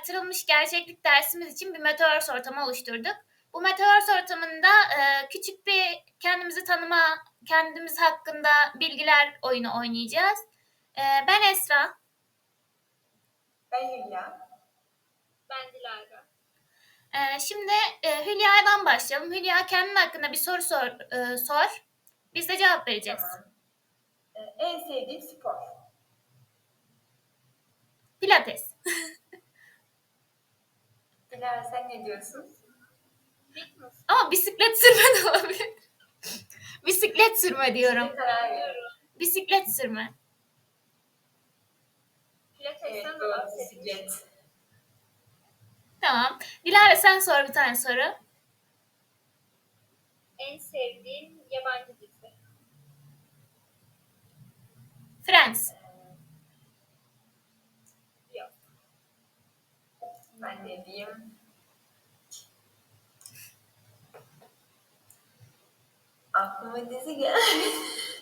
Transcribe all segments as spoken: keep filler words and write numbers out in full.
artırılmış gerçeklik dersimiz için bir Metaverse ortamı oluşturduk. Bu Metaverse ortamında e, küçük bir kendimizi tanıma, kendimiz hakkında bilgiler oyunu oynayacağız. E, ben Esra. Ben Hülya. Ben Dilara. E, şimdi e, Hülya'dan başlayalım. Hülya kendin hakkında bir soru sor. E, sor. Biz de cevap vereceğiz. Tamam. Ee, en sevdiğim spor. Pilates. Dilara sen ne diyorsun? Fitness. Ama bisiklet sürme de olabilir. Bisiklet sürme diyorum. Şimdi karar ver. Bisiklet sürme. Pilates'ten Evet de doğru bahsetmiştim. bisiklet. Tamam. Dilara sen sor bir tane soru. En sevdiğim yabancı dizi. Friends. Yok. Ben ne diyeyim? Aklıma dizi geldi.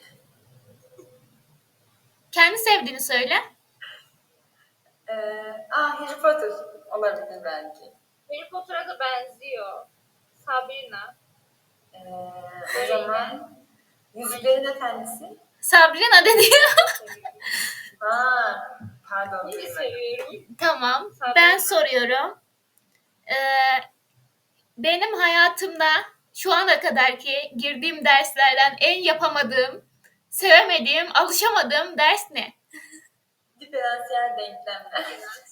Kendi sevdiğini söyle. ee, aa Harry Potter olabilir belki. Harry Potter'a da benziyor. Sabrina. Ee, o zaman Yüzüklerin Efendisi. Sabrina dedi. Seviyorum. Ha, pardon. Yine duymadım. seviyorum. Tamam. Sabrina. Ben soruyorum. Ee, benim hayatımda şu ana kadarki girdiğim derslerden en yapamadığım, sevemediğim, alışamadığım ders ne? Diferansiyel denklemler.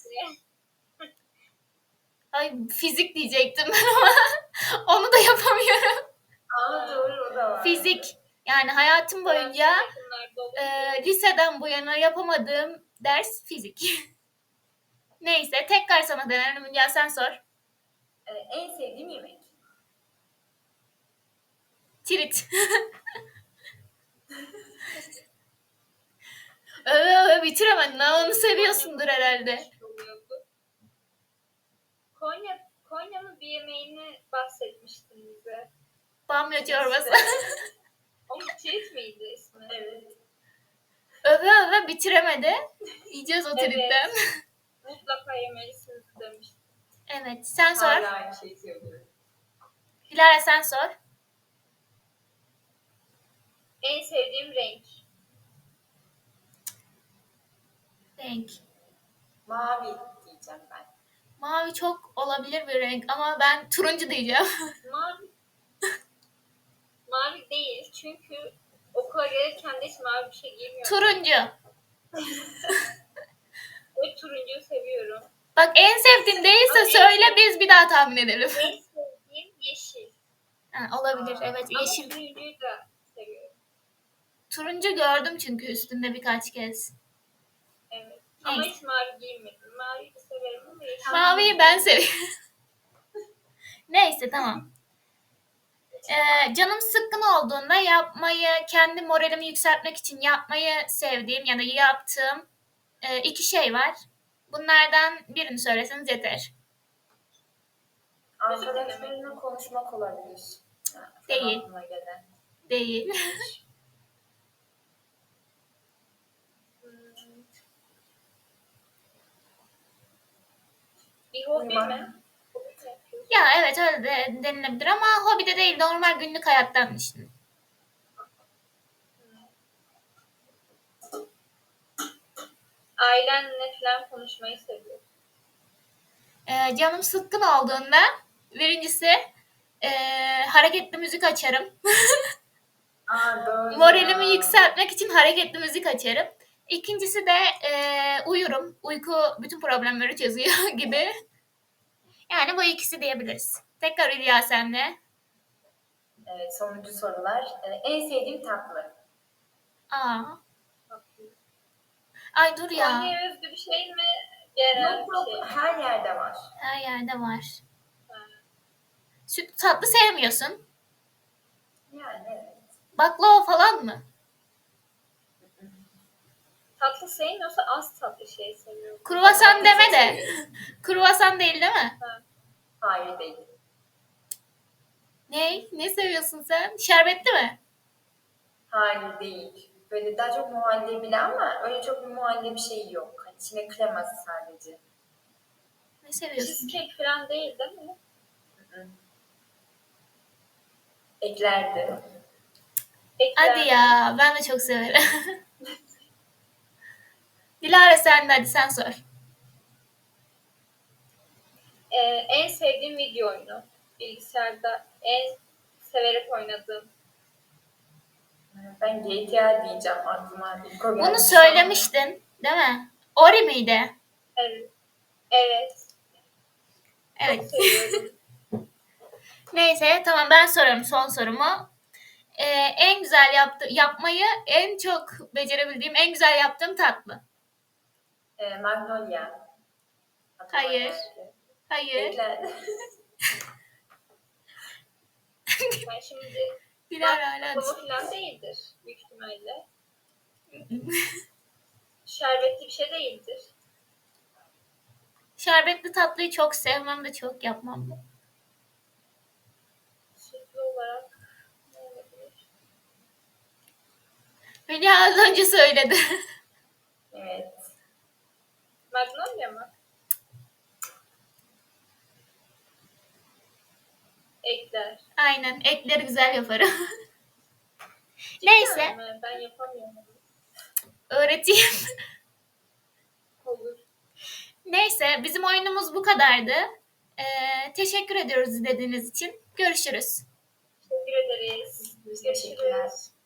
Ay fizik diyecektim ben ama onu da yapamıyorum. Aa doğru o da var. Fizik. Yani hayatım boyunca Yakınlarda olur. e, liseden bu yana yapamadığım ders fizik. Neyse tekrar sana dönelim. Hülya sen sor. Ee, en sevdiğim yemek. Tirit. öve öve bitiremedin ha, onu seviyorsundur herhalde. Konya, Konya'nın bir yemeğini bahsetmiştin bize. Bamya çorbası. O Tirit miydi ismi? Evet. öve öve bitiremedi. Yiyeceğiz o tritten. Mutlaka yemelisiniz demiştim. Evet sen sor. Hala aynı şeyi söylüyorum. Dilara sen sor. En sevdiğim renk. Renk. Mavi diyeceğim ben. Mavi çok olabilir bir renk ama ben turuncu diyeceğim. Mavi. Mavi değil çünkü okula gelirken de hiç mavi bir şey giymiyorum. Turuncu. Ve turuncuyu seviyorum. Bak en sevdiğin değilse Ama en söyle sevdiğim- biz bir daha tahmin edelim. En sevdiğim yeşil. Ha, olabilir evet Ama yeşil. turuncuyu da seviyorum. Turuncu gördüm çünkü üstünde birkaç kez. Evet. Ama Neyse. hiç mavi giymedim. Maviyi de severim ama yeşil. Maviyi ben seviyorum. Neyse tamam. Ee, canım sıkkın olduğunda yapmayı, kendi moralimi yükseltmek için yapmayı sevdiğim ya da yaptığım e, iki şey var. Bunlardan birini söyleseniz yeter. Arkadaşlarımla konuşmak olabilir. Ha, şu an Değil. aklıma gelen. Değil. Hmm. Bir hobi Uyumak. mi? Hobi mi yapıyorsun? Ya evet öyle de denilebilir ama hobi de değil, normal günlük hayattan işte. Ailenle falan konuşmayı seviyorum. Ee, canım sıkkın olduğunda birincisi e, hareketli müzik açarım. Aa doğru. Moralimi ya. yükseltmek için hareketli müzik açarım. İkincisi de e, uyurum. Uyku bütün problemleri çözüyor gibi. Yani bu ikisi diyebiliriz. Tekrar Hülya sende. Evet sonuncu sorular. Ee, en sevdiğim tatlı. Aa. Ay dur ya. Konya'ya özgü bir şey mi? Genel Yok bir yok şey mi? her yerde var. Her yerde var. Ha. Süt tatlı sevmiyorsun. Yani evet. Baklava falan mı? Tatlı sevmiyorsa az tatlı şey seviyorum. Kruvasan deme Çok de. seviyorum. Kruvasan değil değil mi? Hayır değil. Ne? Ne seviyorsun sen? Şerbetli mi? Hayır değil. Böyle daha çok muhallebi ama öyle çok bir muhallebi şeyi yok. Hani içine kreması sadece. Ne seviyorsun? Cheesecake falan değil değil mi? Eklerdi. Ekler. Hadi ya, ben de çok severim. Dilara sen de hadi sen sor. Ee, en sevdiğim video oyunu. Bilgisayarda en severek oynadığım. Ben G T A diyeceğim aklıma. İlk o geldi. Bunu söylemiştin, değil mi? Ori miydi? Evet. Evet. Çok Evet. seviyorum. Neyse tamam ben sorarım son sorumu. Ee, en güzel yaptı yapmayı en çok becerebildiğim en güzel yaptığım tatlı. Ee, Magnolia. Aklıma Hayır. geldi. Hayır. Eklerdi. Ben şimdi Dilara hala baklava falan değildir büyük ihtimalle. Şerbetli bir şey değildir. Şerbetli tatlıyı çok sevmem de çok yapmam da. Sütlü olarak ne olabilir? Hülya az önce söyledi. Evet. Magnolia mı? Ekler. Aynen ekleri güzel yaparım. Neyse Cidden mi? Ben yapamıyorum. öğreteyim. Olur. Neyse bizim oyunumuz bu kadardı. Ee, teşekkür ediyoruz izlediğiniz için. Görüşürüz. Teşekkür ederiz. Teşekkürler. Görüşürüz.